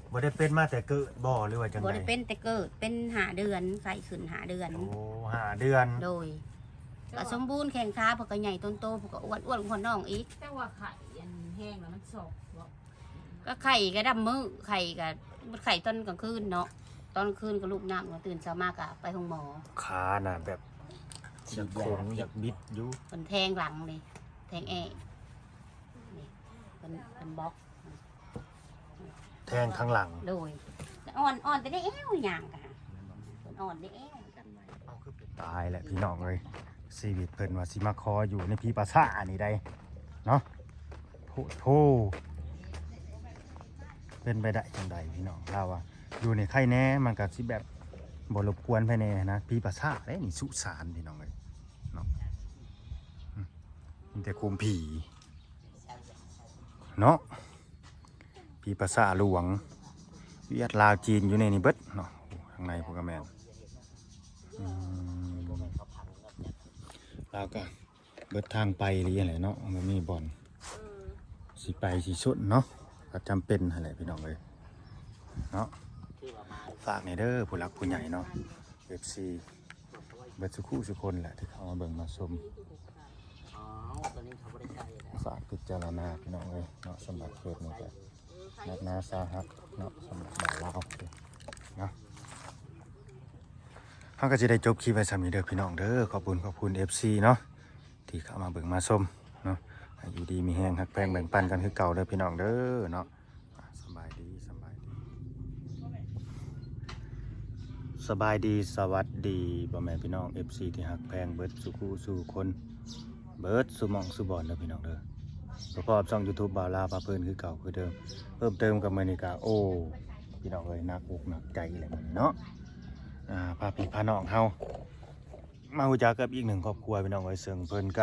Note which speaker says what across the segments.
Speaker 1: บ่ได้เป็นมาแต่เกิดบ่หรือว่าจังได๋
Speaker 2: บ่ได้เป็นแต่เกิดเป็น5 เดือนไข้ขึ้น5 เดือน
Speaker 1: โอ้5 เดือน
Speaker 2: โดยก็สมบูรณ์แข็งขาเพิ่นก็ใหญ่ต้นโตเพิ่นก็อ้วนๆคนน้องอีก
Speaker 3: แต่ว่าไข่อันแห้งแล้วมันสอกบ่
Speaker 2: ก็ไข่ก็ดำมือไข่ก็ไข่ตอนกลางคืนเนาะตอนกลางคืนก็ลูกน้ำก็ตื่นเช้ามากก็ไปห้องหมอ
Speaker 1: ขาน่ะแบบอยากโค้งอยากบิดอยู่
Speaker 2: เพิ่นแทงหลังเลยแทงนี่เพิ่นบล็อก
Speaker 1: แทงข้างหลัง
Speaker 2: โดยอ่อนแต่ได้แอวอย่างกันเพิ่นอ่อนได้แอวกันไว้
Speaker 1: เอาคือเป็นตายแหละพี่น้องเอ้ยชีวิตเพิ่นว่าสิมาคออยู่ในพี่ปราสาทนี่ได้เนาะโธ่เป็นไปได้จังใดพี่น้องเราว่าอยู่ในไข่แน่มันก็สิแบบบ่รบกวนภายในนะพี่ปราสาทเด้นี่สุสานพี่น้องเอ้ยเนาะมีแต่คุมผีเนาะพี่ปราสาทหลวงเวียดลาวจีนอยู่ในนี่เบิดเนาะข้างในพวกกระแมนแล้วก็เบิดทางไปหรืออะไรเนาะมันมีบ่อนสิไปสิสุดเนาะก็จำเป็นอะไรพี่น้องเลยเนาะฝากในเด้อผู้หลักผู้ใหญ่เนาะ FC เบิดสุขุสุคนแหละที่เขามาเบิ่งมาชมฝากพิจารณาพี่น้องเลยเนาะสำหรับเกิดนี่ก็นักนาสาหัสเนาะสำหรับบ่าวลาวเนาะเขาก็จะได้จบคลิปไว้สำหรับเด้อพี่น้องเด้อขอบคุณ FC เนาะที่เข้ามาเบิ่งมาชมเนาะอยู่ดีมีแห้งหักแพงแบ่งปันกันคือเก่าเด้อพี่น้องเด้อเนาะสบายดีสวัสดีบ่แม่พี่น้อง FC ที่หักแพงเบิดสุขุสู่คนเบิดสุหม่องสุบอนเด้อพี่น้องเด้อประกอบช่อง YouTube บ่าวลาวพาเพิ่นคือเก่าคือเดิมเพิ่มเติมกับมื้อนี้ก็โอ้พี่น้องเอ้ยหนักอกหนักใจแหละมื้อนี้เนาะพาพี่พาน้องเฮามาฮู้จักกับอีกหนึ่งครอบครัวพี่น้องเอ้ยซึ่งเพิ่นก็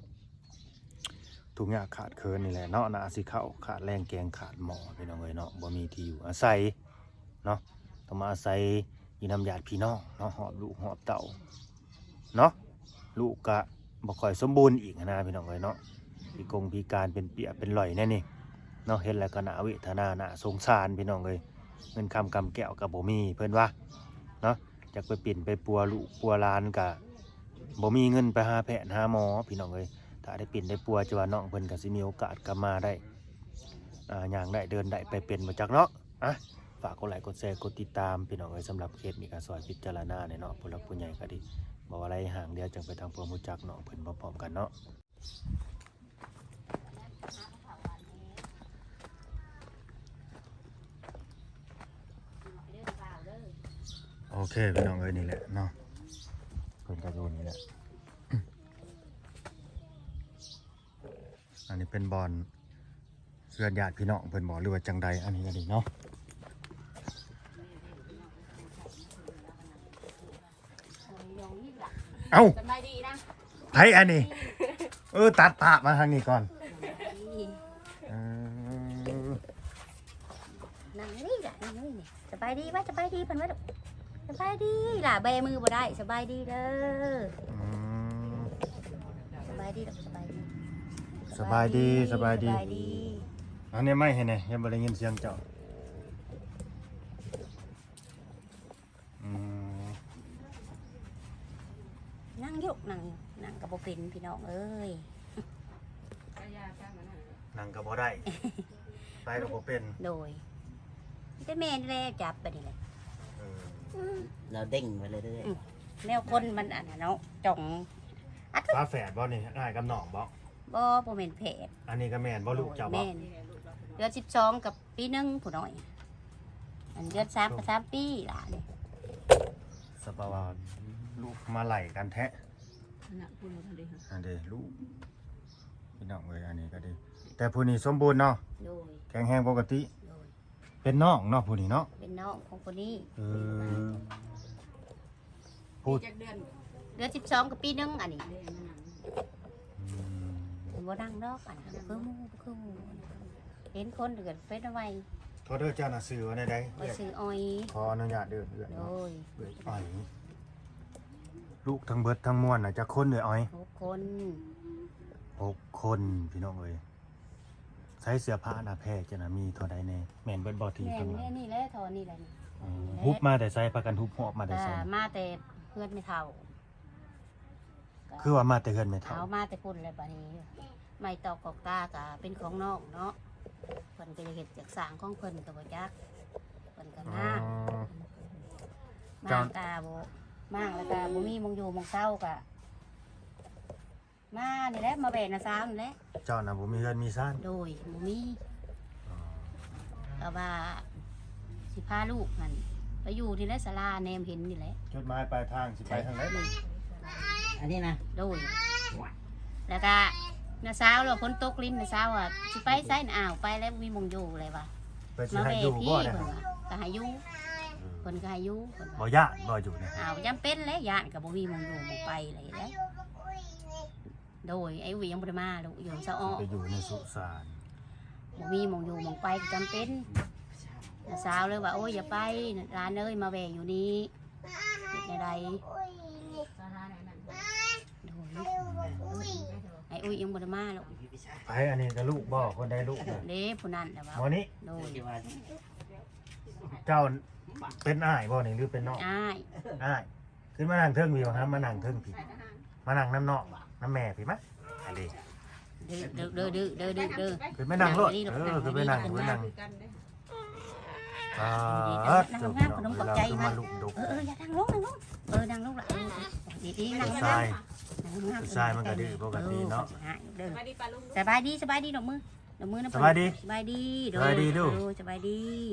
Speaker 1: ทุกอย่างขาดเคินนี่แหละเนาะน่าสิเข้าขาดแรงแกงขาดหมอพี่น้องเอ้ยเนาะบ่มีที่อยู่อาศัยเนาะต้องมาอาศัยอยู่นำญาติพี่น้องเนาะหอบลูกหอบเต้าเนาะลูกก็บ่ค่อยสมบูรณ์อีกนะพี่น้องเอ้ยเนาะพิการเป็นเปียเป็นหล่อยแน่นี่เนาะเห็นแล้วก็น่าเวทนาน่าสงสารพี่น้องเอ้ยเงินคำกำแก้วก็บ่มีเพิ่นว่าเนาะอยากไปปิ่นไปปัวลูกปัวหลานก็บ่มีเงินไปหาแพทย์หาหมอพี่น้องเอ้ยถ้าได้ปิ่นได้ปัวจะว่าน้องเพิ่นก็สิมีโอกาสกลับมาได้ย่างได้เดินได้ไปเป็นมาจากเนาะฝากกดไลค์กดแชร์กดติดตามพี่น้องเอ้ยสำหรับเคสนี้ก็ซอยพิจารณาเนาะผู้หลักผู้ใหญ่ก็ดีบ่ว่าอะไรห่างเดียวจังไปทางพวกรู้จักน้องเพิ่นพร้อมๆกันเนาะโอเคพี่น้องเอ้ยนี่แหละเนาะเพิ่นก็อยู่นี่แหละอันนี้เป็นบอลเพื่อนญาติพี่น้องเพิ่นบอกหรือว่าจังใดอันนี้ก็ดีเนาะเอ้า
Speaker 2: สบายดีนะ
Speaker 1: ไผอันนี้ตัดภาพมาทางนี้ก่อน
Speaker 2: นั่งนี่ล่ะนั่งนี่สบายดีไหมสบายดีเพิ่นว่าสบายดีล่ะแบมือบ่ได้สบายดีเด้อสบายดีสบายดีอันนี้ไม่เห็นไงยังบ่ได้ยินเสียงเจ้านั่งยุกนั่งกับบ่เป็นพี่น้องเอ้ย
Speaker 1: นั่งก็บ่ได้ไปก็บ่เป็น
Speaker 2: โดยแต่แม่นี่แหละจับไปนี่แหละ
Speaker 4: เราเด้งไปเลยด้วย
Speaker 2: แนวคนมันอันน่ะเนาะจ่อง
Speaker 1: ฟ้าแฝดบ่นี่อ้ายกับน้องบ่
Speaker 2: บ่แม่นเพศ
Speaker 1: อันนี้ก็แม่นบ่ลูกเจ้าบ่
Speaker 2: แม่นเดือน12กับปี1ผู้น้อยอันเดือน3กับ3ปีล่ะนี่
Speaker 1: สภาวะลูกมาไหลกันแท้
Speaker 3: น่ะพูดบ่ทันได้ฮะ
Speaker 1: อันเด้ลูกพี่น้องเอ้ยอันนี้ก็ดีแต่ผู้นี้สมบูรณ์เนาะ
Speaker 2: โดย
Speaker 1: แข็งแรงปกติ
Speaker 2: โดย
Speaker 1: เป็นน้องเนาะผู้นี้เนาะ
Speaker 2: เป็นน้องของคนนี้
Speaker 1: พูด
Speaker 3: จักเดือน
Speaker 2: 12กับปี1อันนี้
Speaker 3: เดือนนั้น
Speaker 2: บ่ดังดอกอันคือหมู่เห็นคนเดือดเฟซเอาไว้
Speaker 1: โทษเด้อเจ้าน่ะซื้อว่าได้
Speaker 2: ไปซื้ออ้อย
Speaker 1: ขออนุญาตเด้อ
Speaker 2: โดย
Speaker 1: อ้อยลูกทั้งเบิดทั้งมวลน่ะจะคนเด้ออ้อย
Speaker 2: 6 คน
Speaker 1: 6 คนพี่น้องเอ้ยใช้เสื้อผ้าหน้าแพร่จะน่ะมีเท่าใดแน่แม่นเบิดบ่ที่
Speaker 2: แม่
Speaker 1: ข้างหลั
Speaker 2: แม่
Speaker 1: ง
Speaker 2: นี่แหละทอนี่แหละนี่
Speaker 1: ฮุบมาแต่ใส่พากันฮุบหอบมาแต่
Speaker 2: แต่
Speaker 1: ใส่
Speaker 2: มาแต่เพื่อนไม่เท่า
Speaker 1: คือว่ามาแต่เฮือนไม่เท่า
Speaker 2: เอามาแต่พุ่นเลยบัดนี้ไม่ตอกกอกตาก็เป็นของนอกเนาะเพิ่นก็จะเฮ็ดจากสร้างของเพิ่นก็บ่จักเพิ่นก็
Speaker 1: อ๋อ
Speaker 2: มากกาบ่มากแล้วก็บ่มีมงอยู่มงเศร้าก็มานี่แหละมาแบกนะซ้ำนี่แหละ
Speaker 1: เจ้าน่ะบ่มีเฮือนมีซ่าน
Speaker 2: โดยบ่มีก็ว่าสิพาลูกหั่นไปอยู่ที่แหละศาลาแนมเห็นนี่แหละ
Speaker 1: จุดหมายปลายทางสิไปทางไหน
Speaker 4: อันนี้นะ
Speaker 2: โดยแล้วก็น้าสาวเราพ้นตกลิ้นน้าสาวอ่ะสิไปไสน่ะอ้าวไปแล้วมีมงอยู่เลยว่ะ
Speaker 1: ไปสิ
Speaker 2: มา
Speaker 1: ให้
Speaker 2: แม่
Speaker 1: อยู่
Speaker 2: พี่
Speaker 1: บ่
Speaker 2: เพิ่
Speaker 1: ได้
Speaker 2: นว่าก็ให้อยู่เพิ่นก็ให้อยู่เพิ่น
Speaker 1: บ่
Speaker 2: ว่า
Speaker 1: ญาติบ่อยู่นะ
Speaker 2: อ้าวจำเป็นแล้วญาติก็บ่มีมงอยู่มงไปอะไรแล้วโดยไอ้วิยังบ่ได้มาลูกอยู่ซะอ้อ
Speaker 1: ไปอยู่ในสุสาน
Speaker 2: บ่มีมงอยู่มงไปก็จำเป็นน้าสาวเลยว่าโอ้ยอย่าไปร้านเอ้ยมาแวอยู่นี้เฮ็ดใด
Speaker 3: สาราไหนนั่น
Speaker 2: ๆโดยไอ้อุ้ยยังบ่ได้มาลูก
Speaker 1: ไปอันนี้ก็ลูกบ่คนใดลูกน่ะ
Speaker 2: เด้ผู้นั้นแต่ว่า
Speaker 1: หมอนี้
Speaker 2: โดย
Speaker 4: ที่ว่า
Speaker 1: เจ้าเป็นอ้ายบ่นี่หรือเป็นน้อง
Speaker 2: อ้าย
Speaker 1: อ้ายขึ้นมานั่งเทิงพี่บ่ครับมานั่งเทิงพี่มานั่งน้ำน้องน้ำแม่พี่มะอันนี้
Speaker 2: เด้อ
Speaker 1: ขึ้นไปนั่งรถขึ้นไปนั่งขึ้นไปนั่ง
Speaker 3: คือกันเด้
Speaker 1: เจ้าพี่น้องเวลาขึ้นมาลูกดก
Speaker 2: อย่านั่งลงนั่งลงละดีๆนั่ง
Speaker 1: ทรายทรายมันก็ดื้อปกติเนาะ
Speaker 3: มาดีปลาลุง
Speaker 2: สบายดีดอกมือนะ
Speaker 1: สบายดี
Speaker 2: สบายดี
Speaker 1: สบายดีดู
Speaker 2: สบายดี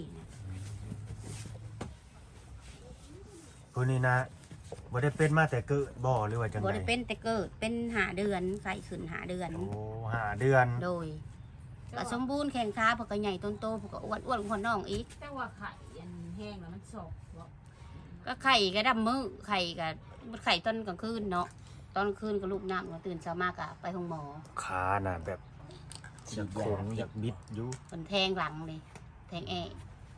Speaker 1: คนนี้นะบ่ได้เป็นมาแต่เกิดบ่หรือว่าจัง
Speaker 2: บ่
Speaker 1: ได
Speaker 2: ได้เป็นแต่เกิดเป็นหาเดือนไข้ขึ้นหาเดือน
Speaker 1: โอ้5 เดือน
Speaker 2: โดยก็สมบูรณ์แข็งขาเพวกก็ใหญ่ต้นโตเพวกก็อ้วนคนน้องอีก
Speaker 3: แต่ว่าไข่อันแห้งแล้วมันสอกบ่
Speaker 2: ก็ไข่ก็ดำมือไข่ก็ไข่ตอนกลางคืนเนาะตอนกลางคืนก็ลูกน้ำก็ตื่นเช้ามากก็ไปห้องหมอ
Speaker 1: ขาน่ะแบบอยากโค้งอยากบิดอยู่
Speaker 2: เป็นแทงหลังเลยแทงนี่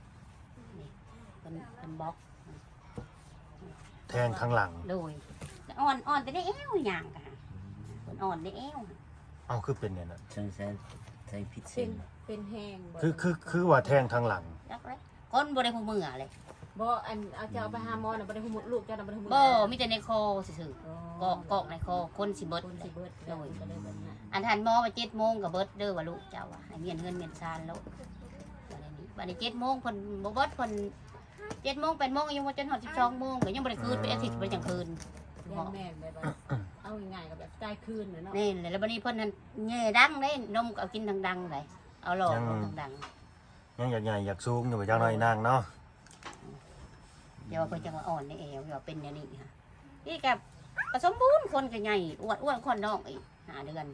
Speaker 2: เป็นบล็อก
Speaker 1: แทงข้างหลัง
Speaker 2: โดยอ่อนแต่ได้เอวอย่างกันคนอ่อนได้เอว
Speaker 1: เอ้าคือเป็นเนี่ยน่ะ
Speaker 4: ใช้พิษ
Speaker 3: เป็
Speaker 4: เส้
Speaker 3: น
Speaker 4: น
Speaker 3: เป็นแห้งบ่
Speaker 1: คือว่าแทงทางหลัง
Speaker 2: รักเลยก้นบ่ได้หูมือเลย
Speaker 3: บ่อันเอาจะเอาไปหาหมอน่ะบ่ได้หูลูกเจ้าน่ะบ่ได้หู
Speaker 2: บ่มีแต่ในคอซื่อๆกอกในคอคนสิเบิด
Speaker 3: คนสิเบิดโดยก็เลยแบบนั้น
Speaker 2: อันทันหมอว่า7 โมงก็เบิดเด้อว่าลูกเจ้าให้เมียนเงินเมียนซานแล้ววันนี้7 โมงเพิ่นบ่เบิดเพิ่น7 โมง 8 โมงยังบ่จนฮอด12 โมงก็ยังบ่ได้คืนเป็นอาทิตย์บ่ได้จังคืน
Speaker 3: ย่างแม่นแบบว่าเอาง่ายๆก็แบบตายคืนน่ะเนาะ
Speaker 2: นี่แล้วบัดนี้เพิ่นนั่นแย่ดังเด้นมก็เอากินดังๆเลยเอาหลอดดัง
Speaker 1: ยังอยากใหญ่อยากสูงอยู่จังหน่อยนางเนาะ
Speaker 2: ๆเดี๋ยวเพิ่นจะมาอ่อนในเอวเดี๋ยวเป็นอย่างนี้ค่ะนี่กับผสมบูรณ์คนก็ใหญ่อ้วนคนน้องอีกหาเดือน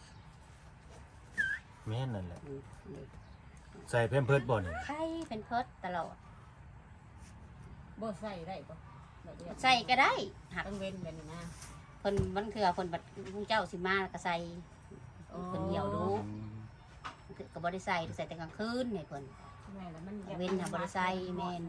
Speaker 1: แม่นนั่นแหละใส่เพิ่มเพิดบ่นี่
Speaker 2: ไข่เป็นเพิดตลอด
Speaker 3: บ่ใส่ได้บ่แบบนี้
Speaker 2: ใส่ก็ได้หัก
Speaker 3: ต้องเว้นแบบนี้นะ
Speaker 2: เพิ่นมันคือเพิ่นบัดผู้เจ้าสิมาก็ใส่เพิ่นเหี่ยวดูก็บ่ได้ใส่แต่กลางคืนนี่เพิ่น
Speaker 3: แม่แล้วมัน
Speaker 2: เว้นน่ะบ่ได้ใส่แม่น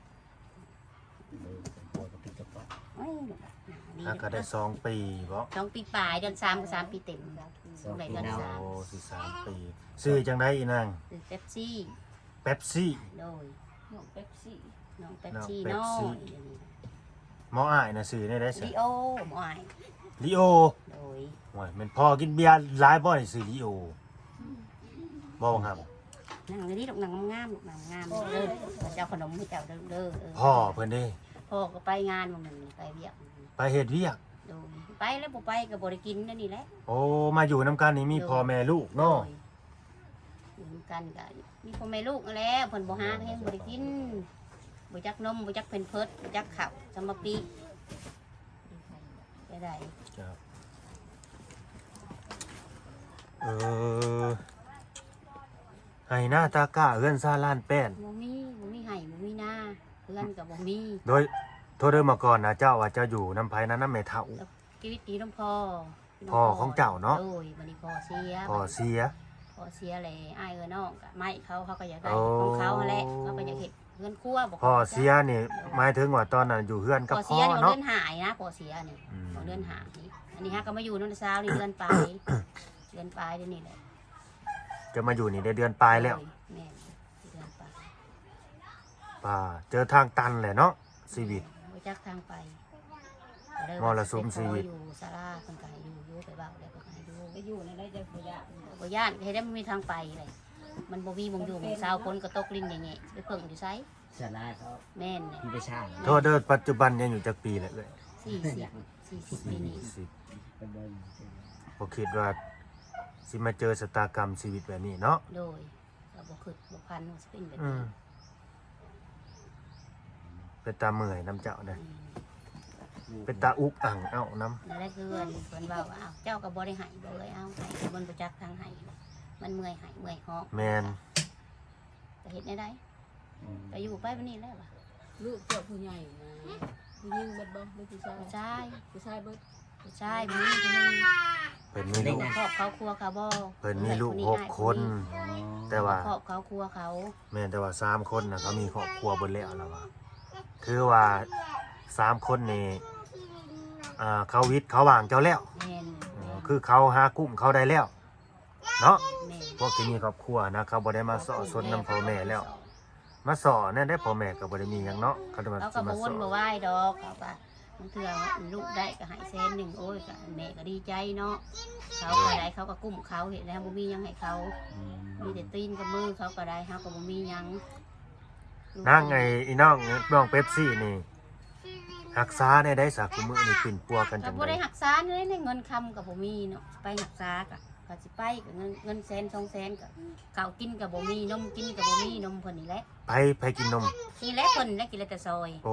Speaker 4: ปวดกระปิดกระป๋อง
Speaker 2: โอ้ยดี
Speaker 1: ถ้าก็ได้2 ปีบ่
Speaker 2: 2 ปีปลายเดือน3ก็3 ปีเต็ม
Speaker 4: สอง
Speaker 2: ได้
Speaker 4: ปี
Speaker 2: เดือน
Speaker 4: เนา
Speaker 2: สาม
Speaker 1: โอ้สิ3 ปีซื้อจังได๋อีนาง
Speaker 2: คือเป๊ปซี่
Speaker 1: เป๊ปซี่
Speaker 2: โดย
Speaker 3: น้องเป๊ปซี่
Speaker 2: น้องเป๊ปซี่
Speaker 1: น้องเป๊ปซี่
Speaker 2: น้อย
Speaker 1: หมออ้ายน่ะซื้อได้ซะ
Speaker 2: ลีโอหมออ้าย
Speaker 1: ลิโอ
Speaker 2: โดย
Speaker 1: โอ้ยแม่นพ่อกินเบียร์หลายบ่นี่ซื้อลิโอบ่ครับ
Speaker 2: นั่งอยู่นี่ลูกนั่งงามลูกนั่งงามเด้อเจ้าขนมให้เจ้าเด้อเด้อ
Speaker 1: พ่อเพิ่นเด้
Speaker 2: พ่อก็ไปงานมันไปเวียก
Speaker 1: ไปเฮ็ดเวียก
Speaker 2: โดยไปแล้วบ่ไปก็บ่ได้กินนั่นนี่แหละ
Speaker 1: โอ้มาอยู่นํกันนี่มีพ่อแม่ลูกเนาะ
Speaker 2: อยู่กันก็มีพ่อแม่ลูกนั่นแหล้วเพิ่นบ่หาแฮงบ่ได้กินบ่จักนมบ่จักเพิ่นเพิดบ่จักข้าวสมปีไปได้
Speaker 1: ครับให้หน้าตากล้าเอื้อนซาล้านแป้น
Speaker 2: บ่มีไห้บ่มีหน้าเพื่อนก็บ่มี
Speaker 1: โดยโทษเดิมมาก่อนนะเจ้าว่าเจ้าอยู่น้ำไผ่นั้นน้ำแม่เฒ่า
Speaker 2: ชีวิตดีน้องพ่อ
Speaker 1: พ่อของเจ้าเนาะ
Speaker 2: โดยบัดนี้พ่อเสีย
Speaker 1: พ่อเสีย
Speaker 2: พอเสียเลยอ้ายน้องก็ไม่เขาก็อยากได้
Speaker 1: โอ้
Speaker 2: ของเขาแหละเขาก็อยากเห็นเงินคั่วบอก
Speaker 1: พ่อเสียนี่หมายถึงว่าตอนนั้นอยู่เฮือนกับ
Speaker 2: พอ
Speaker 1: พ่
Speaker 2: เสี
Speaker 1: อย
Speaker 2: นี่ของ
Speaker 1: เนาะ
Speaker 2: เดือนหายนะพอเสียนี่
Speaker 1: อืม
Speaker 2: ของเดือนหายอันนี้ฮะก็มาอยู่นั่นเช้านี่เดือนปลาย เดือนปลายเดี๋ยวนี้แหละ
Speaker 1: กจะมาอยู่นี่ได้เดือนปลายแล้ว
Speaker 2: แม่นเดือนไป
Speaker 1: ป่าเจอทางตันแหละเนาะชีวิต
Speaker 2: บ่จักทางไป
Speaker 1: มรสุมชีวิต
Speaker 2: อยู่ศาลาเพิ่นก็ให้อยู่ไปเว้าแล้วเพิ่นก็ให้อยู่
Speaker 3: ไปอยู่ในไรจะขยะ
Speaker 2: บ่ย่านให้ได้มันมีทางไปเลยมันบ่มีหมองอยู่หมองเศร้าคนก็ตกลิ้นแง่ๆไปเพิ่งอยู่ไส
Speaker 4: สาราเขา
Speaker 2: แม่นนี่
Speaker 4: ที่ไปช่าง
Speaker 1: โทษเด้อปัจจุบันยังอยู่จักปีแหละเอ้ย
Speaker 2: 40ปีนี้
Speaker 4: ไปเบิ่ง
Speaker 1: บ่คิดว่าสิมาเจอชะตากรรมชีวิตแบบนี้เนาะ
Speaker 2: โดยก็บ่คิดบ่พันว่าสิเป็นแบบ
Speaker 1: อื
Speaker 2: นี้
Speaker 1: มเป็นตาเมื่อยน้ำเจ้านะเป็นตาอุกอ่างเอ้าน้
Speaker 2: นั่นแหละคือเพิ่นเว้าว่าอ้าวเจ้าก็บ่ได้ให้บ่เลยเอาให้มันบ่จักทางให้มันเมื่อยให้เมื่อยหอก
Speaker 1: ำแมน
Speaker 2: ก็เฮ็ดได้ก็อยู่ไปบัดนี้แล้วว่ะ
Speaker 3: ลูกเจ้าผู้ใหญ่นะผู้หญิงเบิดบ่หรือผู้ชาย
Speaker 2: ผู้ชาย
Speaker 3: ผู้ชายเบิด
Speaker 2: ผู้ชายมีผู้หนึง
Speaker 1: เพิ่นมีลูก
Speaker 2: ครอบเขาครัวเขาบ่
Speaker 1: เพิ่นมีลูก6 คน แต่ว่า
Speaker 2: ครอบเขาครัวเขา
Speaker 1: แม่นแต่ว่า3 คนนะเขามีครอบครัวเบิดแล้วล่ะว่าคือว่า3 คนนี่เขาวิทย์เขาวางเจ้าแล้ว
Speaker 2: แม่น
Speaker 1: คือเขาหากุ้มเขาได้แล้วเนาะ
Speaker 2: แม่น
Speaker 1: พวกที่มีครอบครัวนะเขาบ่ได้มาสอสนน้ำพ่อแม่แล้ว มาสอนั่นได้พ่อแม่ก็บ่ได้มีหยังเนาะเขาจะมา
Speaker 2: เขาก็
Speaker 1: สิ
Speaker 2: บ่
Speaker 1: มา
Speaker 2: ว
Speaker 1: ส
Speaker 2: น
Speaker 1: อ
Speaker 2: บ่ไหว้ดอกเขาก็บางเทื่อลูกได้ก็ให้แสนหนึงโอ้ยก็แม่ก็ดีใจเนาะเขาก็ได้เขาก็กุ้มเขาเฮ็ดแล้วบ่มีหยังให้เขามีแต่ตีนกับมือเขาก็ได้เฮาก็บ่มีหยัง
Speaker 1: นั่งไอ้อีน้องเป๊ปซี่นี่รักษาได้สักมื้อนี่ปิ่นปัวกัน
Speaker 2: ก็
Speaker 1: จัง
Speaker 2: บ่
Speaker 1: ได๋
Speaker 2: ได้รักษาเลยในเงินคำก็บ่มีเนาะไปรักษาก็สิไปก็เงินแสน2แสนก็ข้าวกินก็บ่มีนมกินก็บ่มีนมเพิ่นนี่แหละ
Speaker 1: ไปกินนม
Speaker 2: นี่แหละเพิ่นได้กินแต่ซอย
Speaker 1: โอ้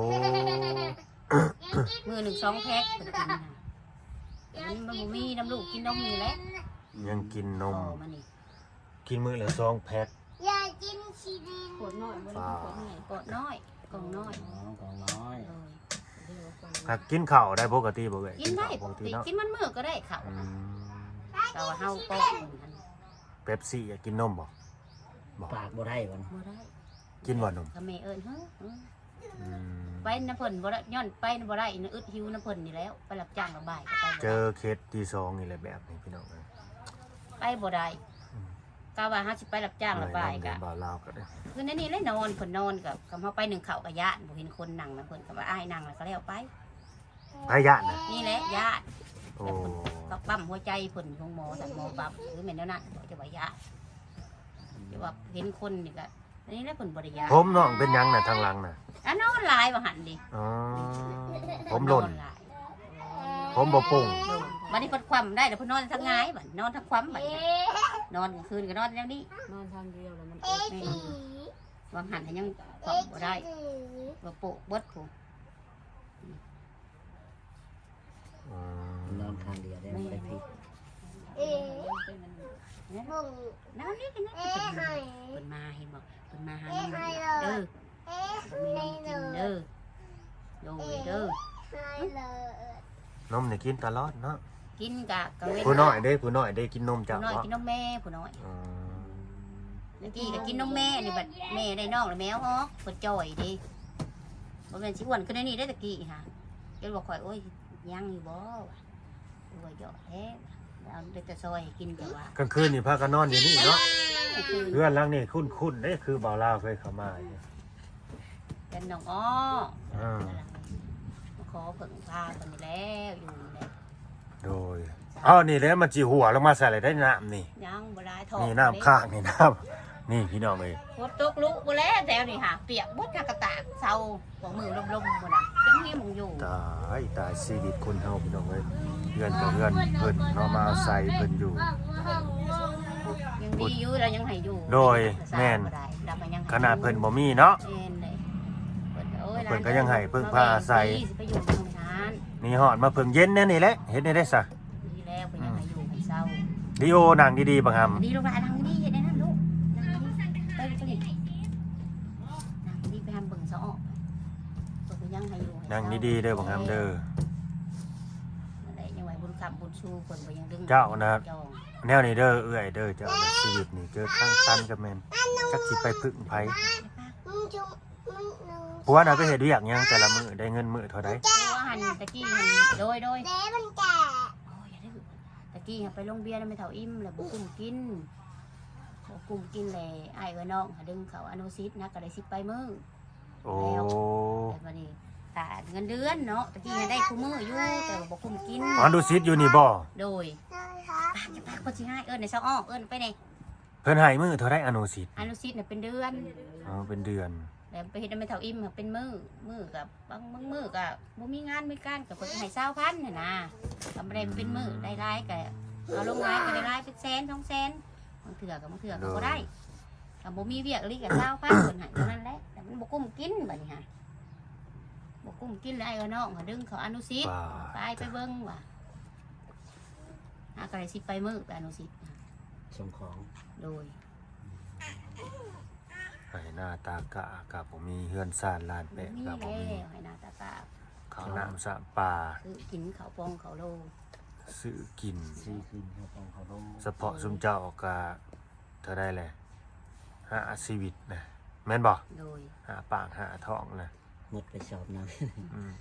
Speaker 2: มื้อหนึ่ง2แพ็คเพิ่นกินน่ะมันบ่มีน้ำลูกกินนมนี่แหละ
Speaker 1: ยังกินนม
Speaker 2: ต่อมานี่
Speaker 1: กินมื้อละ2 แพ็ค
Speaker 3: ขวดน้อยบ่ได้ขวดใหญ่
Speaker 2: กดน้อยกล่องน้อย
Speaker 4: ของน้อย
Speaker 2: เออ
Speaker 3: เดี๋ยวก่อน
Speaker 1: ถ้ากินข้าวได้ปกติบ่เอ่ย
Speaker 2: กินได้
Speaker 1: ข้าว
Speaker 2: ป
Speaker 1: ป
Speaker 2: ก
Speaker 1: ก
Speaker 2: ติ
Speaker 1: ติเนาะ
Speaker 2: กินมันมื้อก็ได้ข้าว
Speaker 1: อืม
Speaker 2: แต่ว่าเฮาปอกมันหั่น
Speaker 1: เป๊ปซี่อยากกินนมบ่บ่
Speaker 4: ปากบ่ได้บ่
Speaker 2: บ่ได้
Speaker 1: กินบ่นม
Speaker 2: ก็แม่เอิ้นเฮ้อ
Speaker 1: อืม
Speaker 2: ไปน้ำเพิ่นบ่ได้ย้อนไปบ่ได้อึดหิวน้ำเพิ่นนี่แล้วไปรับจ้างระบายก็ไปบ่
Speaker 1: เจ
Speaker 2: ได้
Speaker 1: อเคสที่2นี่แหละแบบนี้พี่น้องเอ้ย
Speaker 2: ไปบ่ได้กะว่าเฮาสิไปรับจ้างระบาย
Speaker 1: กั
Speaker 2: กะ
Speaker 1: บ่าวลาวก็ได้
Speaker 2: คือในนี้เลยนอนเพิ่นนอนกับเฮาไปหนึ่งข้าวก็ย่านบ่เห็นคนนั่งนะเพิ่นก็ว่าอ้ายนั่งแล้วก็แล้วไป
Speaker 1: พยะน่ะ
Speaker 2: นี่แหละย่าน
Speaker 1: โอ้
Speaker 2: ก็ปั๊มหัวใจเพิ่นของหมอสั่งหมอปั๊มหรือแม่นแล้วนั้นบ่จะว่าย่านจะว่าเห็นคนนี่ก็อันนี้แหละเพิ่นบ่ได้ย่าน
Speaker 1: ผมน้องเป็นหยังน่ะทางหลังน่ะ
Speaker 2: อันนอนหลายว่าหั่นดิ
Speaker 1: อ๋อผมหล่น
Speaker 2: อหลาย
Speaker 1: ผมบ่ปุ่ง
Speaker 2: โดนบัดนี้เพิ่นคว่ำได้แล้วเพิ่นนอนทั้งหงายบัดนอนทั้งคว่ำบัดนี้นอนกลางคืนก็นอนอย่างนี้
Speaker 3: นอนทางเดียวแล้วมัน
Speaker 2: แม่วางหันให้ยังคว่ำบ่ได้บ่โปะเบิดผู้
Speaker 1: อืม
Speaker 4: นอนทางเดียวได้บ่ได้ผิด
Speaker 2: น้ำนี่กันนะเพิ่นมาเห็นบ่เพิ่นมาหาน้ำเด้อบ่มีน้ำกินเด้อโดยเด้อน
Speaker 1: มนี่กินตลอดเนาะ
Speaker 2: กินกะกะเว้น
Speaker 1: ผู้น้อยได้กินนมจาก
Speaker 2: ผู้น้อย
Speaker 1: บ่
Speaker 2: กินนมแม่ผู้น้อย
Speaker 1: อืม
Speaker 2: เมื่อกี้ก็กินนมแม่นี่บัดแม่ได้น้องแล้วแมวฮอกเพิ่นจ่อยดิบ่แม่นสิอ้วนขึ้นในนี้ได้ตะกี้ค่ะเพิ่นบอกข่อยโอ้ยยังอยู่บ่วะโอ้ยเยอะแท้เอาได้แต่ซอยให้กินแต่ว่าก
Speaker 1: ลางคืนนี่พากันนอนอยู่นี่เนาะ
Speaker 2: คือ
Speaker 1: เพื่อนหลังนี่คุ้นๆเด้คือบ่าวลาวเคยเข้ามาอยู่
Speaker 2: เป็นน้องอ้อ
Speaker 1: อ่า
Speaker 2: มาขอเพิ่งพาเพิ่นนี่แล้วอยู่นี่แหละ
Speaker 1: โดยอ้าวนี่แหละมันสิหัวลงมาใส่อะไรได้น้ำนี่
Speaker 2: ยังบ่ได้ทอง
Speaker 1: นี่น้ำข้างนี่น้ำนี่พี่น้องเอ้ย
Speaker 2: ฝนตกลุกบ่แล้วแถวนี่ค่ะเปียกหมดกะตากเซาของมือลมๆบ่น่ะจังมีหมองอยู่
Speaker 1: ตายชีวิตคนเฮาพี่น้องเอ้ยเพื่อนกับเพื่อนเพิ่นเนาะมาอาศัยเพิ่นอยู่
Speaker 2: ยังดีอยู่เรายังให้อยู่
Speaker 1: โดยแม่น
Speaker 2: บ่ได้เราก็ยังให้
Speaker 1: ขนาดเพิ่นบ่มีเนาะ
Speaker 2: แม่นเลยเพิ่นก็โอ้ย
Speaker 1: เพิ่นก็ยังให้พึ่งพาอาศัย
Speaker 2: สิไปอยู่โรงงาน
Speaker 1: นี่ฮอดมาเพิ่งเย็นแน่นี่แหละเฮ็ดได้ได้ซะ
Speaker 2: ดีแล้วเพิ่นยังให้อยู่ให้เศร้า
Speaker 1: ดีโอนั่งดีๆบังหำ
Speaker 2: ดีลูกหลานนั่งดีเฮ็ดได้นั่นลูกนั่งดีไปไปนี่นั่งดีไปหาเบิ่งซะออกเพิ่นก็ยังให้อยู่ให้เศร้า
Speaker 1: นั่งดีๆเด้อบังหำเด้อ
Speaker 2: นั่นแหละยังไหวบุญคำบุญชูเพิ่นบ่ยังดึง
Speaker 1: เจ้านะ
Speaker 2: จอง
Speaker 1: แนวนี้เด้อเอื้อยเด้อเจ้าน่ะชีวิตนี่เจอทางตันกับแม่นจักสิไปพึ่งไผผัวน่ะไปเฮ็ดเวียกหยังแต่ละมื้อได้เงินมื้อเท่าใด
Speaker 2: เพราะว่าหันตะกี้หันโดยโอ้ยอย่าได้ตะกี้หันไปโรงเบียร์แล้วไม่เท่าอิ่มแล้วบ่กุ้มกินกุมกินแหล่อ้ายกับน้องหาดึงเขาอนุสิตนะก็ได้10ไปมื้อ
Speaker 1: โอ้
Speaker 2: แต่บัดนี้ตาเงินเดือนเนาะตะกี้ให้ได้คู่มื้ออยู่แต่ว่าบ่คุ้มกิน
Speaker 1: อ๋อดูซิดอยู่นี่บ่
Speaker 2: โดยปากจะปากคนสิให้เอิ้นในเช้าอ้อเอิ้นไปไหน
Speaker 1: เพิ่นให้มื้อเท่าไรอนุสิต
Speaker 2: อนุสิตน่ะเป็นเดือน
Speaker 1: อ๋อเป็นเดือน
Speaker 2: แล้วไปเฮ็ดให้แม่เฒ่าอิ่มเป็นมื้อกับบางมื้อก็บ่มีงานมีการก็เพิ่นให้20,000น่ะนะก็บ่ได้เป็นมื้อได้หลายก็เอาลงหลายก็ได้หลายเป็นแสน2แสนบางเทื่อก็บ่ได้ก็บ่มีเวียกอีหลีก็20,000เพิ่นให้เท่านั้นแหละแต่มันบ่คุ้มกินบัดนี้ฮะบ่กุ้มกินเลยไอ้ก็น้องเขาดึงเขาอนุสิตไปเบิ้งว่ะก็เลยสิไปมือไปอนุสิต
Speaker 4: ส่งของ
Speaker 2: โดย
Speaker 1: ให้หน้าตากะกับผมมีเฮือนซ่านลานแปะ
Speaker 2: มี
Speaker 1: กับผม
Speaker 2: แล้
Speaker 1: มี
Speaker 2: วให้นาตาตา
Speaker 1: ข้าวน้ำสะปลา
Speaker 2: คือกินเขาปองเขาโล
Speaker 1: ซื้อกิน
Speaker 4: ซื้อขึ้นเขาต้องเขาลง
Speaker 1: เฉพาะซุมเจ้าก็เท่าได้แหละหาชีวิตนะแม่นบ่
Speaker 2: โดย
Speaker 1: หาปากหาท้องนะ
Speaker 4: หมดไปสอบน้
Speaker 1: อืม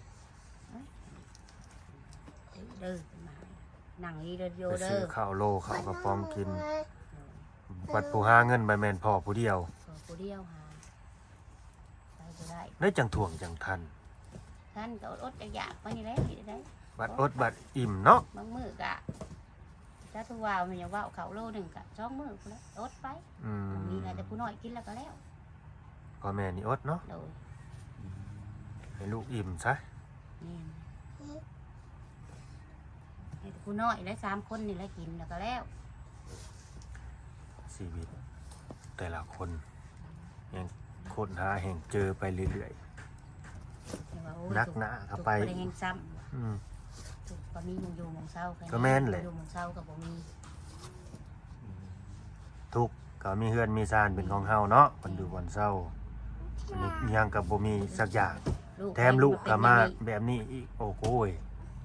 Speaker 2: เด้อมานั่งนี่เด้อโย
Speaker 1: ไป
Speaker 2: เด้
Speaker 1: ซื้อ
Speaker 2: อ
Speaker 1: ข้าวโลข้าวกระป๋อมกินบัดผู้หาเงินไปแม่นพ่อผู้เดียว
Speaker 2: ผู้เดียวหาไปก็ได้
Speaker 1: ได้จังถ่วงจังทัน
Speaker 2: ท่านก็อดอยากไปนี่แหละกินได้
Speaker 1: บัดอดบัดอิ่มเนาะ
Speaker 2: บางมื้อกะถ้าทุกว่าวมันยังว่าวเขาโลหนึ่งกะ2มื้อพุ่นแหละอดไป
Speaker 1: อืม
Speaker 2: มีอะไรแต่ผู้น้อยกินแล้วก็แล้ว
Speaker 1: พ่อแม่นี่อดเนาะ
Speaker 2: โดย
Speaker 1: ให้ลูกอิ่มซะ
Speaker 2: นี่ให้แต่ผู้น้อยและ3คนนี่แหละกินแล้วก็แล้ว
Speaker 1: ชีวิต แต่ละคนยังค้นหาแห่งเจอไปเรื่อย
Speaker 2: แต่ว่าโอ้ย
Speaker 1: นักหนาเข้าไป
Speaker 2: ถูกบ่ได้แห่งซ้
Speaker 1: ๆอืม
Speaker 2: ำถูกบ่มีหมองอยู่หมองเศร้า
Speaker 1: ก็แม่นแหละ
Speaker 2: อยู่หมองเศร้ากับบ่มี
Speaker 1: ทุกข์ก็มีเฮือนมีซานเป็นของเฮาเนาะมันอยู่บนเศร้าอันนี้อิหยังกับบ่มีสักอย่าง แถมลูกก็มาแบบนี้อีกโอ้โหย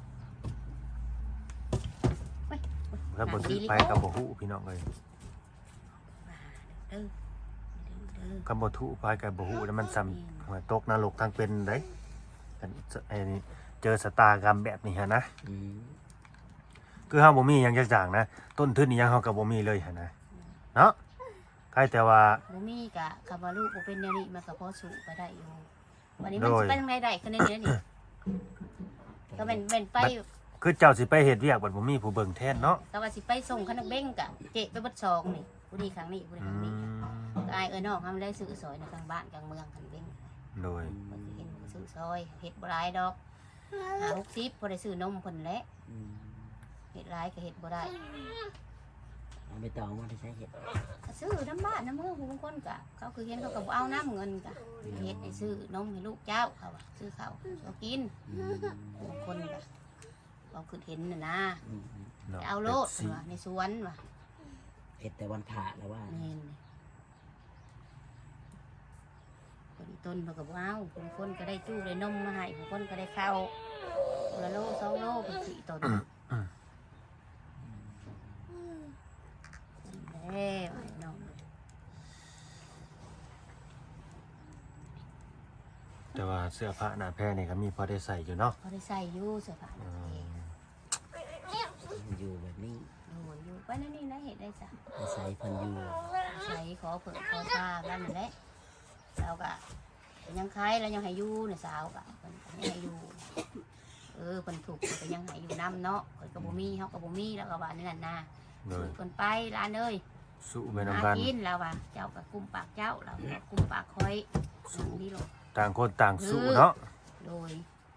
Speaker 1: ถ้าบ่ถือไปกับบ่ฮู้พี่น้องเอ้ย
Speaker 2: เด้อเด้อ
Speaker 1: กับบ่ถูกไปกับบ่ฮู้แล้วมันซ้ำหัวตกนรกทางเป็นเด้กันไอ้นี่เจอสตากรรมแบบนี้ฮะนะ
Speaker 4: อืม
Speaker 1: คือเฮาบ่มีหยังจักอย่างนะต้นทุนอีหยังเฮาก็บ่มีเลยหั่นนะเนาะใครแต่ว่า
Speaker 2: บ่มีกะคำว่าลูกบ่เป็นแนวนี้มันก็พอสู้ไปได้อยู่วันนี้มัน
Speaker 1: โดย
Speaker 2: สิไปทางใดได้คือในนี้นี่ก็เป็นไป
Speaker 1: คือเจ้าสิไปเฮ็ดเวียกบัดบ่มีผู้เบิ่งแทนเนาะ
Speaker 2: ก็ว่าสิไปส่งคณะเบ้งกะเจ๊ไปเบิดซองนี่ผู้นี้ครั้งนี้ผู้นี้
Speaker 1: อื
Speaker 2: ครั้งนี้
Speaker 1: ม
Speaker 2: ก็อายเอ้ยน้องทำได้ซื้อซอยในกลางบ้านกลางเมืองคันเบ้ง
Speaker 1: โดย
Speaker 2: เพิ่นสิเห็นก็ซื้อซอยเฮ็ดบ่หลายดอก60บ่ได้ซื้อนมเพิ่นแหละ
Speaker 4: อืม
Speaker 2: เฮ็ดหลายก็เฮ็ดบ่ได้
Speaker 4: เอาไปต่อมาที่ใช้เห็ด
Speaker 2: ก็ซื้อน้ำบ้านน้ำเมืองผู้บางคนก็เขาคือเห็นเขาก็บ่เอาน้ำเงินก็เฮ็ดให้ซื้อนมให้ลูกเจ้าเขาว่าซื้อข้าวเอากิน
Speaker 4: อืม
Speaker 2: ผู้บางคนก็เขาคือเห็นน่ะนะ
Speaker 4: อืม
Speaker 1: เนาะ
Speaker 2: เอาโลด
Speaker 1: เป๊ปซี่
Speaker 2: ว่ะในสวนว่ะ
Speaker 4: เห็ดแต่วันผ่าแล้วว่า
Speaker 2: นี่คนต้นเขาก็บ่เอาผู้บางคนก็ได้จู้ได้นมมาให้ผู้บางคนก็ได้ข้าวคนละโล2โลเป็น4ต้นแล้วไอ้น้อง
Speaker 1: แต่ว่าเสื้อผ้าหน้าแพรนี่ก็มีพอได้ใส่อยู่เนาะ
Speaker 2: เขาได้ใส่อยู่เสื้อผ้า
Speaker 1: อืม
Speaker 4: อยู่แบบนี้
Speaker 2: โอ้ยอยู่ไปนั่นนี่นะเห็ดได้จ้ะ
Speaker 4: อาศัยเพันอยู่
Speaker 2: ใส่ขอเผื่อขอผ้าบ้านนั่นแหละเราก็ยังคล้ายแล้วยังให้อยู่เนี่ยสาวก็เพิ่นก็ยังให้อยู่เพิ่นถูกก็ยังให้อยู่น้ำเนาะเพิ่นก็บ่มีเฮาก็บ่มีแล้วก็ว่านี่นั่นนะ
Speaker 1: โดย
Speaker 2: เพิ่นไปร้านเอ้ย
Speaker 1: สู้ไป
Speaker 2: หา
Speaker 1: นำกัน
Speaker 2: กินแล้วว่าเจ้าก็กุมปากเจ้าเราก็กุมปากคอยนั่งนี่ลง
Speaker 1: ต่างคนต่างสู้เนาะ
Speaker 2: โดย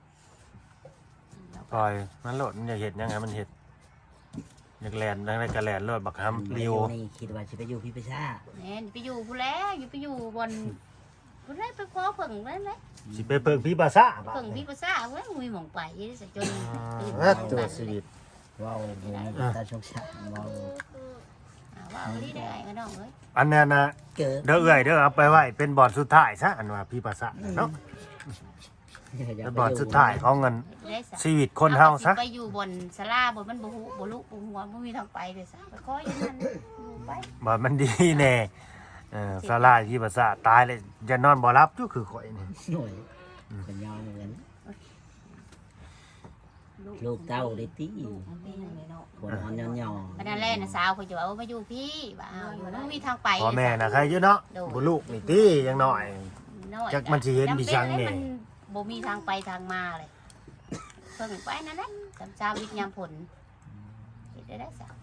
Speaker 2: แล้ว
Speaker 1: ปล่อยมันโลดมันอยากเห็ดยังไงมันเห็ดอยากแลนดังได้กระแลนโลดบักฮัมเรียว
Speaker 4: นี่คิดว่าจะไปอยู่พี่ประชา
Speaker 2: แม่นไปอยู่ผู้แล้วอยู่ไปอยู่บนผู้แล้วไปขอเพิ่งนั่นแหละ
Speaker 1: สิไปเปิงพี่ภาษา
Speaker 2: เพิ่งพี่ภาษาเว้ยมีหมองไปซะจน
Speaker 1: ตัวชีวิต
Speaker 4: ว้าวโมตาชงชาว้าว
Speaker 2: ว่าเอาที่ได้ก็น้องเอ้ย
Speaker 1: อันนั้นนะ
Speaker 4: เกิด
Speaker 1: เด้อเอ้ยเด้อเอาไปไว้เป็นบอร์ดสุดท้ายซะอันว่าพี่ภาษาเนาะเป็นบอร์ดสุดท้ายของเงิน
Speaker 2: ได้ซะ
Speaker 1: ชีวิตคนเฮาซะ
Speaker 2: ไปอยู่บนศาลาบนมันบ่ฮู้บ่ลุบ่หัวบ่มีทางไปเลยซะไปขออยู่นั่นอยู่ไป
Speaker 1: บอร์ดมันดีแน่สาลายพี่ภาษาตายเลยจะนอนบ่รับอยู่คือข่อยนี่
Speaker 4: หน่วยเป็นยาวเหมือนกันลูกเต้าได้ตี
Speaker 3: ลูกมันเป็นยังไงเนาะ
Speaker 4: คนอ่อนย่อ
Speaker 2: วันนั้นแรกนะสาวเขาจะว่ามาอยู่พี่ว่าเอาอยู่แล้วมีทางไป
Speaker 1: พ่อแม่น่ะใครอยู่เนาะบ่ลูกนี่ติยังน้อย
Speaker 2: น้อย
Speaker 1: จักมันสิเห็นมีจังนี่
Speaker 2: มันบ่มีทางไปทางมาเลยเพิ่งไปนั่นแหละจำเช้าวิทยามผลเฮ็ดได้สัก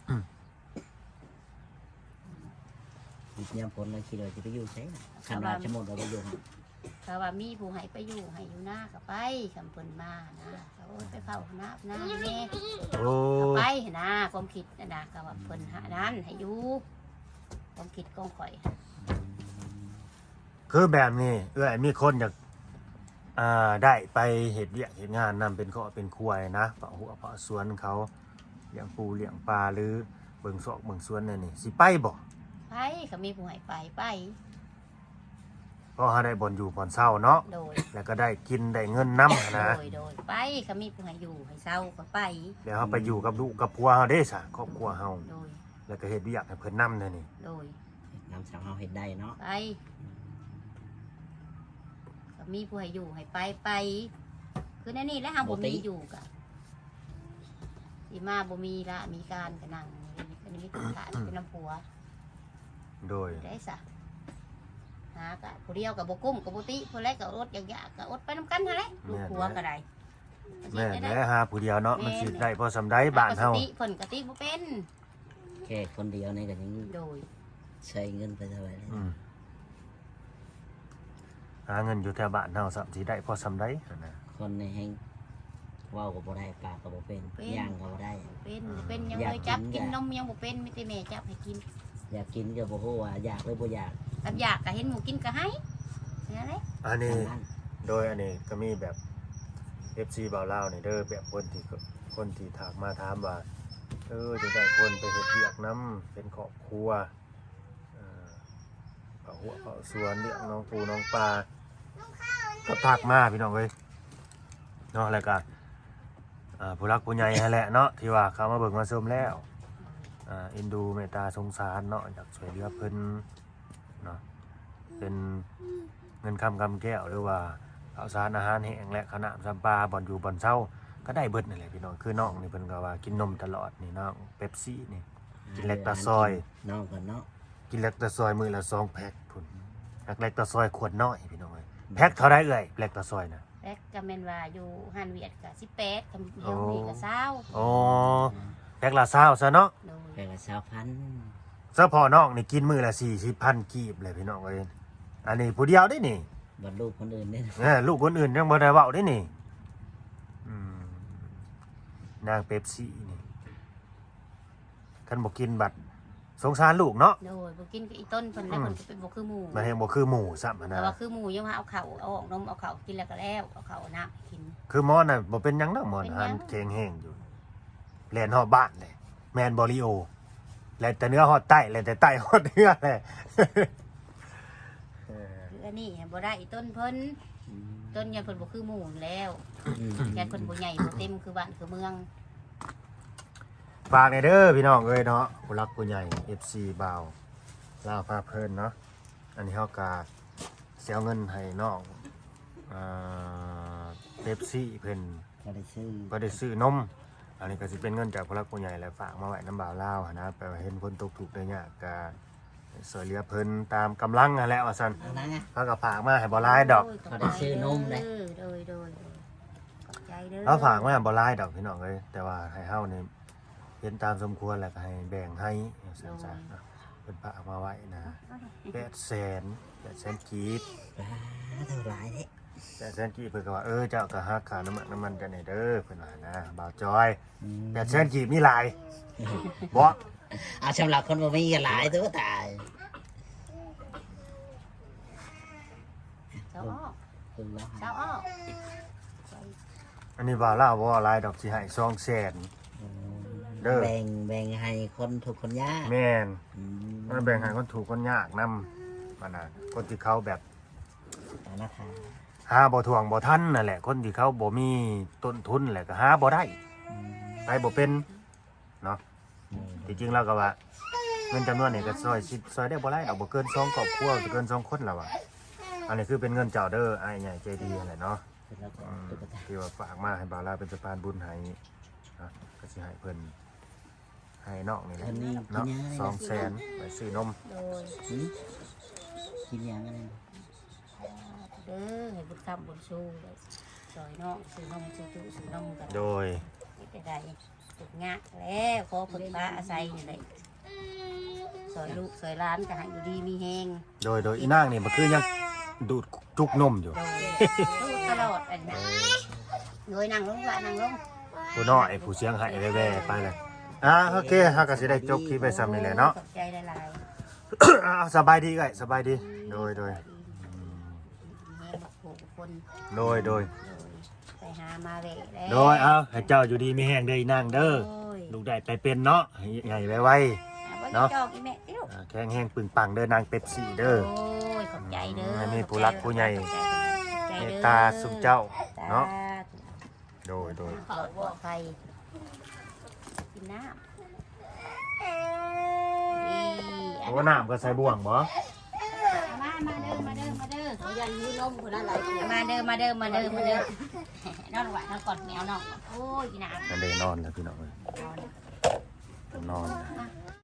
Speaker 4: ๆอีกยามผลเลยคิดว่าสิไปอยู่ไสน่ะคันว่าจะหมดเราไปอยู่
Speaker 2: เขาว่ามีผู้ให้ไปอยู่ให้อยู่หน้าก็ไปคำเพิ่นมานะเขาไปเฝ้าหน้าแม่
Speaker 1: โอ้
Speaker 2: ก็ไปนะความคิดนะก็ว่าเพิ่นหานั้นให้อยู่ความคิดของข่อย
Speaker 1: คือแบบนี้มีคนอยากได้ไปเฮ็ดเวียกเฮ็ดงานนำเป็นข้อเป็นควายนะเป่าหัวเป่าสวนเขาเลี้ยงปูเลี้ยงปลาหรือเบิ่งซอกเบิ่งสวนนั่นนี่สิไปบ่
Speaker 2: ไปเขามีผู้ให้ไป
Speaker 1: เพราะเฮาได้บ่อนอยู่บ่อนเช้าเนาะ
Speaker 2: โดย
Speaker 1: แล้วก็ได้กินได้เงินนำนะ
Speaker 2: โดยไปเขามีผู้ให้อยู่ให้เศร้าก็ไป
Speaker 1: แล้วเฮาไปอยู่กับลูกกับผัวเฮาเด้ซะครอบครัวเฮา
Speaker 2: โดย
Speaker 1: แล้วก็เฮ็ดเวียกให้เพิ่นนำนั่นนี่
Speaker 2: โดย
Speaker 4: น้ำสาวเฮาเฮ็ดได้เนาะ
Speaker 2: ไปก็มีผู้ให้อยู่ให้ไปคือนั่นนี่แหล้วหาบ่มีอยู่กะสีมาบ่มีละมีการก็นั่งอันนี้มีตัวฐานเป็นน้ำผัว
Speaker 1: โดย
Speaker 2: ได้ซะหากะผู้เดียวกับบ่กุ้มกับบ่ติผู้แรกก็อดอยากๆก็อดไปนํกันหั่นแหละลูกผัวก็ได้
Speaker 1: แม่นแหละหาผู้เดียวเนาะมันสิได้พอสำาใดบ้านเฮา
Speaker 2: ปกติเพิ่นก็ติบ่เป็น
Speaker 4: แค่คนเดียวนี่ก็ยัง
Speaker 2: โดย
Speaker 4: ใช้เงินไปเท่าไหร่เลย
Speaker 1: หาเงินอยู่แถวบ้านเฮาสัมสิได้พอสำาใดนะ
Speaker 4: คนในแห่งเว้าก็บ่ได้ปากก็บ่เป็นย่างก็บ่ได้
Speaker 2: เป็นยังเลยจับกินนมยังบ่เป็นมีแต่แม่จับให้กิน
Speaker 4: อยากกินก็บ่ฮู้ว่าอยากหรือบ่อยาก
Speaker 2: กับอยากก็เห็นหมูกินก็ให้นั่นแหละ
Speaker 1: อันนี้
Speaker 4: ทางนั้น
Speaker 1: โดยอันนี้ก็มีแบบ FC บ่าวลาวนี่เด้อแบบคนที่ถามมาถามว่าจะได้คนไปเฮ็ดเวียกนํเป็นครอบครัวเผาหัวเผาสวนเลี้ยงน้องปูน้องปลาก็ทักมาพี่น้องเอ้ยเนาะแล้วก็ผู้รักผู้ใหญ่นั่นแหละเนาะที่ว่าเขามาเบิ่งมาชมแล้วเอ็นดูเมตตาสงสารเนาะอยากช่วยเหลือเพิ่นเนาะเป็นเงินคำแก้วหรือว่าข้าวสารอาหารแห้งและขนมซัมปลาบ่อนอยู่บ่อนเช้าก็ได้เบิดนั่นแหละพี่น้องคือน้องนี่เพิ่นก็ว่ากินนมตลอดนี่น้องเป๊ปซี่นี่ กินเล็กตาซอย
Speaker 4: น้องกันเนาะ
Speaker 1: กินเล็กตะซอยมื้อละ2แพ็คพุ่นเล็กตะซอยขวดน้อยพี่น้องเอ้ยแพ็คเท่าใดเอ่ยเล็กตะซอยน่ะ
Speaker 2: แล้วก็แม่นว่าอยู่ฮันเวียดก็18คำเดียวนี่ก็20
Speaker 1: อ๋อแพ็คละ20ซะเนาะ
Speaker 2: โดย
Speaker 4: แค่ละ20,000
Speaker 1: เฉพาะน้องนี่กินมื้อละ40,000กีบเลยพี่น้องเอ้ยอันนี้ผู้เดียวได้นี่
Speaker 4: บ่ลูกคนอื่นเด้
Speaker 1: ลูกคนอื่นยังบ่ได้เว้าได้นี่นางเป๊ปซี่นี่คันบ่กินบัดสงสารลูกเนาะ
Speaker 2: โดยบ่กินก็อีต้นเพิ่นแล้วเพิ่นก็เป็นบ่คือหมู่
Speaker 1: มันแฮงบ่คือหมูซ้ำ
Speaker 2: แต่
Speaker 1: นะ
Speaker 2: ว่าคือหมู่ยังมาเอาข้าวเอาออกนมเอาข้าวกินแล้วก็แล้วเอาข้าวเอาน้ำให้กิน
Speaker 1: คือหมอน่ะบ่เป็นหยังดอกหมอ
Speaker 2: เป็นหยั
Speaker 1: หันแข็งแห้งอยู่แล่นฮอดบ้านเลยแม่นบ่ลิโอแล่นแต่เนื้อฮอดใต้แล่นแต่ใต้ฮอดเนื้อแหละ
Speaker 2: คืออันนี้บ่ได้อีต้นเพิ่นต้นยันเพิ่นบ่คือหมู่แล้วยันเพิ่นบ่ใหญ่บ่เต็มคือบ้านคือเมือง
Speaker 1: ฝากในเด้อพี่น้องเอ้ยเนาะผู้รักผู้ใหญ่ FC บ่าวลาวพาเพลินเนาะอันนี้เฮากะสิเอาเงินให้น้องเป๊ปซี่เพิ่น
Speaker 4: ก็ได้ซื้อ
Speaker 1: บ่ได้ซื้อนมอันนี้ก็สิเป็นเงินจากผู้รักผู้ใหญ่แล้วฝากมาไว้น้ำบ่าวลาวหั้นนะแปลว่าเห็นคนตกทุกข์ได้ยากก็ช่วยเหลือเพิ่นตามกำลังนั่นแหละว่าซั่น
Speaker 4: เอานะ
Speaker 1: เฮาก็ฝากมาให้บ่หลายดอก
Speaker 4: เขาได้ซื้อนมเลย
Speaker 2: โดยขอบใจเด้อ
Speaker 1: เราฝากมาบ่หลายดอกพี่น้องเอ้ยแต่ว่าให้เฮานี่เห็นตามสมควรแล้วก็ให้แบ่งให้ซั่นๆเนาะเพิ่นฝากมาไว้นะ800,000กีบ
Speaker 4: เท่าไหร่เด้
Speaker 1: 800,000กีบเพิ่นก็ว่าเจ้าก็หักค่าน้ำมันกันให้เด้อเพิ่นว่านะบ่าวจอย800,000กีบมีหลายบ่
Speaker 4: เอาสำหรับคนบ่มีก็หลายตัวตาย
Speaker 2: เจ้าอ้อ
Speaker 4: คุณว่า
Speaker 2: เจ้าอ้อ
Speaker 1: อันนี้บ่าวลาวบ่ว่าหลายดอกสิให้200,000 เด้อ
Speaker 4: แบ่งให้คนทุกคนยาก
Speaker 1: แม่นมันแบ่งให้คนถูกคนยากนำมันน่ะคนที่เขาแบบ
Speaker 4: นะคะ
Speaker 1: หาบ่ทวงบ่ทันนั่นแหละคนที่เขาบ่มีต้นทุนแหละก็หาบ่ได้ไปบ่เป็นเนาะที่จริงแล้วก็ว่าเงินจำนวนนี้ก็ซอยได้บ่หลายดอกบ่เกิน2ครอบครัวบ่เกิน2คนแล้วว่ะอันนี้คือเป็นเงินเจ้าเด้ออ้ายใหญ่ใจดีนั่นแหละเนาะ
Speaker 4: เป็นแล้วก็
Speaker 1: อืม
Speaker 4: ตุ๊กตา
Speaker 1: ที่ว่าฝากมาให้บาวลาเป็นสะพานบุญให้นะก็สิให้เพิ่นให้น้องนี่แหละ
Speaker 4: อันนี้กิน
Speaker 1: เนาะ
Speaker 4: ยังไง
Speaker 1: 200,000ไปซื้อนม
Speaker 2: โดย
Speaker 4: กินยังไง
Speaker 2: เด้อให้บุญคำบุญชูเลยซอยน้องซื้อนมซื้อจุซื้อนมกัน
Speaker 1: โดย
Speaker 2: จะได้ตุกงะแล้วขอผลฟ้าอาศัยอยู่เลยซอยลูกซอยร้านก็ให้อยู่ดีมีแหง
Speaker 1: โดยอีนางนี่มันคือยังดูดจุกนมอยู่
Speaker 2: โดยลูกตลอดอันนี้โดยนั่งลงละนั่งลง
Speaker 1: ผู้น้อยผู้เสียงให้แว่ๆไปเลยโอเคเฮาก็สิได้จบคลิปไปซ้ำนี่แหละเนาะ
Speaker 2: ขอบใจหลาย
Speaker 1: สบายดีไงสบายดีโดย
Speaker 2: ๆแหงบักโขกคน
Speaker 1: โดย
Speaker 2: โดยไปหามาเวะแล้ว
Speaker 1: โดยให้เจ้าอยู่ดีมีแห้งเด้ออีนางเด้อ
Speaker 2: โอ้ย
Speaker 1: ลูกได้ไปเป็นเนาะให้ใหญ่ไว
Speaker 2: เนาะจองอีแม่ติลูก
Speaker 1: ๆแข็งแห้งปึงปังเด้อนางเป็ดสีเด้อ
Speaker 2: โอ้ยขอบใจเด้อ
Speaker 1: ให้มีผู้รักผู้ใหญ่
Speaker 2: ขอบใจ
Speaker 1: เม
Speaker 2: เด้
Speaker 1: ต
Speaker 2: อ
Speaker 1: ตาสุขเจ้าเนาะ
Speaker 2: สธุ
Speaker 1: โดย
Speaker 2: ปลอดภัยกินน้ำนี่
Speaker 1: โอ้น้ำก็ใส่บ่วงบ่
Speaker 2: มาเด้อมาเด้อมาเด้อ
Speaker 3: เขายันยืนนมคนนั้นหลายคน
Speaker 2: มาเด้อมาเด้อมาเด้อมาเด้อนอนหวานนอนกอดแมวนอนโอ้ยกินน้ำ
Speaker 1: กันได้นอนแล้วพี่น้องเอ้ย
Speaker 2: นอน